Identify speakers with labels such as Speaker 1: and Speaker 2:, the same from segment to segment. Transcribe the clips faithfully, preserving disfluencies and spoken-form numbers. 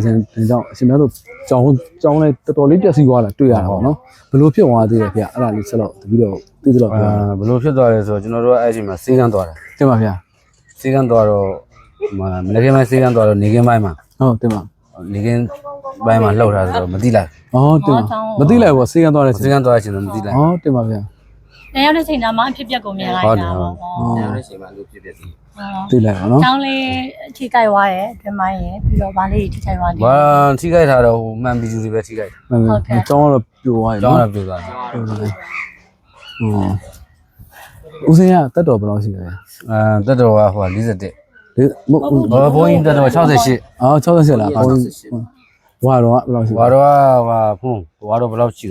Speaker 1: စဉ်တင်ကြောင့်အရှင်များတို့ကြောင်းကြောင်းလဲတော်တော်လေးပြည့်စည်သွားတာတွေ့ရတာပေါ့နော်ဘလို့ဖြစ်သွားသေးတယ်ဗျအဲ့ဒါလေးဆက်တော့တပြီးတော့သိသလောက်ပြော
Speaker 2: အာဘလို့ဖြစ်သွားလဲဆိုတော့ကျွန်တော်တို့အဲ့ဒီမှာစေးကန်းသွားတယ်
Speaker 1: တင်ပါဗျာ
Speaker 2: စေးကန်းသွားတော့မနက်ခင်းပိုင်းစေးကန်းသွားတော့နေခင်းပိုင်းမှာ
Speaker 1: ဟုတ်တင်ပါ
Speaker 2: နေခင်းပိုင်းမှာလှုပ်ထားဆိုတော့မသိလိုက်
Speaker 1: อ๋อတင်ပါမသိလိုက်ဘူးစေးကန်းသွားတယ်
Speaker 2: စေးကန်းသွားချင်းတော့မသိလိုက်
Speaker 1: อ๋อတင်ပါဗျာ
Speaker 3: နေရောက်တဲ့ချိန်မှာအဖြစ်ပြက်ကိုမြင်လိုက်တာပေါ့
Speaker 2: ဟုတ်တယ်ချိန်မှာလို့ဖြစ်ဖြစ်စီ
Speaker 1: သိလိုက်ပါနော်
Speaker 3: ကျောင်းလေးထိကြိုက်သွားတယ်အတွင်းပိုင်းရယ်ပြီးတော့ဗာလေးထိကြိုက်သွားတယ်
Speaker 2: ဘာထိခိုက်ထားတော့ဟိုမှန်ပြီးသူတွေပဲထိခိုက်
Speaker 1: မှန်ပြီကျောင်းတော့ပြိုသွားပြီ
Speaker 2: ကျောင်း
Speaker 1: နော်
Speaker 2: တော့ပြသွားတယ်
Speaker 1: ဦးစင်းကတက်တော်ဘယ်လောက်ရှိလဲ
Speaker 2: အဲတက်တော်ကဟို၄၁
Speaker 1: ဒီမဟုတ်
Speaker 2: ဘောဘိုးကြီးတက်တော်68
Speaker 1: အော်68လားဘုန်းကြီးဘွားတော့ဘယ်လောက်ရှိ
Speaker 2: ဘာတော့ဟာဖုန်းဘာတော့ဘယ်လောက်ရှိလဲ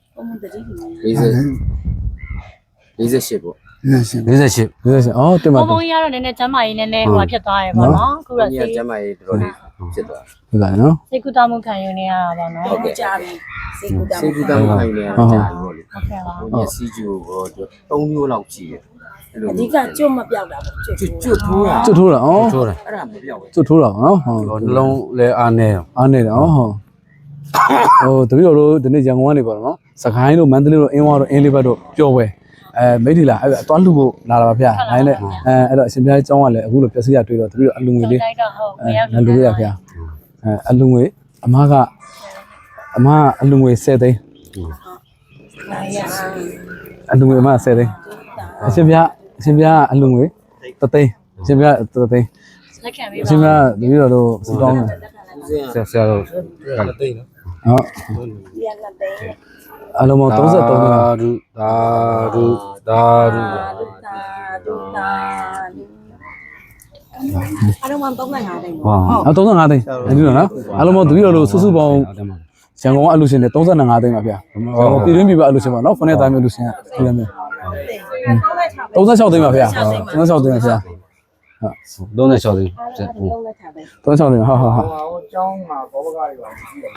Speaker 4: ၄၀ 48ပေါ့
Speaker 2: 48
Speaker 1: 58အော်တင်ပါ
Speaker 3: ဘုံဘုံကြီးကတော့နည်းနည်းကျမ်းမာရေးနည်းနည်းဟိုဖြစ်သွားရယ်ပေါ့နော်အခုတော့
Speaker 4: ဒီ
Speaker 3: စိ
Speaker 4: က
Speaker 3: တ်
Speaker 4: ကျမ်းမာရေးတော်တော်လေးဖြစ်သွား
Speaker 1: ဟုတ်ကဲ့နော်
Speaker 3: စိတ်ကူးတမှုခံယူနေရတာပေါ့နော်
Speaker 4: ဟုတ်ကဲ့
Speaker 5: ကြာပြီစိတ်ကူးတာ
Speaker 4: စေကူတာမခိုင်းနေရတာကြာပြီပေါ့လေ
Speaker 3: ဟုတ်ကဲ့ပါ
Speaker 4: မျက်စိကျိုးဘောသုံးမျိုးလောက်ကြည့်တယ်အဲ့လို
Speaker 5: အဓိကကျွတ်မပြောက်တာပေါ့ကျွတ်
Speaker 4: ကျွတ်ကျွတ်ထိုးတာ
Speaker 1: ကျွတ်ထိုးတာအော်
Speaker 2: ထိုးတယ်
Speaker 4: အဲ့ဒါမပြောက်ဘူး
Speaker 1: ကျွတ်ထိုးတာနော်ဟုတ်
Speaker 2: ဟိုနှလုံးလဲအားနေရော
Speaker 1: အားနေတယ်အော်ဟုတ်ဟိုတပည့်တော်တို့ဒီနေ့ရန်ကုန်ကနေပေါ့နော်စကိုင်းတို့မန္တလေးတို့အင်းဝါတို့အင်းလေးဘက်တို့ပျော်ပွဲအဲမိထီလာအဲ့အသွားလှဖို့လာတာပါဗျာနိုင်လေအဲအဲ့တော့အရှင်ဘုရားကျောင်းကလည်းအခုလိုပြည့်စည်ရတွေ့တော့တပည့်တော်အလူငွေလေး
Speaker 3: တိုက်တော့ဟုတ်
Speaker 1: အဲ
Speaker 3: မရောက်
Speaker 1: ငါလူရဗျာအဲအလူငွေအမကအမအလူငွေ10သိန်း
Speaker 5: နိုင်ရ
Speaker 1: အလူငွေအမ10သိန်းအရှင်ဘုရားအရှင်ဘုရားအလူငွေ3သိန်းအရှင်ဘုရား3သိန်း
Speaker 3: လက်ခံပေး
Speaker 1: အ
Speaker 3: ပါ
Speaker 1: ရှင်ဘုရားတပည့်တော်တို့စကောင်းတယ်
Speaker 2: ဆက်ဆက်တော့
Speaker 1: ဟုတ်
Speaker 5: ရလက်သိန်း
Speaker 1: အလုံးပေါင်း33သိန်း
Speaker 2: ဒါဒုဒါဒုဒါဒု
Speaker 5: တာဒုတာအဲ့တော့မှ35သိန်း
Speaker 2: ဟော
Speaker 1: အ35သိန်းအဲ့ဒီလိုနော်အလုံးပေါင်းတပည့်တော်တို့စုစုပေါင်းရန်ကုန်ကအလူရှင်တွေ35သိန်းပါဗျာရန်ကုန်ပြည်တွင်းပြည်ပအလူရှင်ပါနော်ဖနဲ့သားမျိုးလူရှင်ကပြည်ရမယ်36သိန်းပါဗျာ36သိန်းပါဗျာ
Speaker 2: 36သိန်း
Speaker 5: 36သိန်း
Speaker 1: 36သိန်းဟုတ်ဟုတ်ဟုတ်
Speaker 4: ဟိုကျောင်းမှာဘောဘကားတွေပါရှိတယ်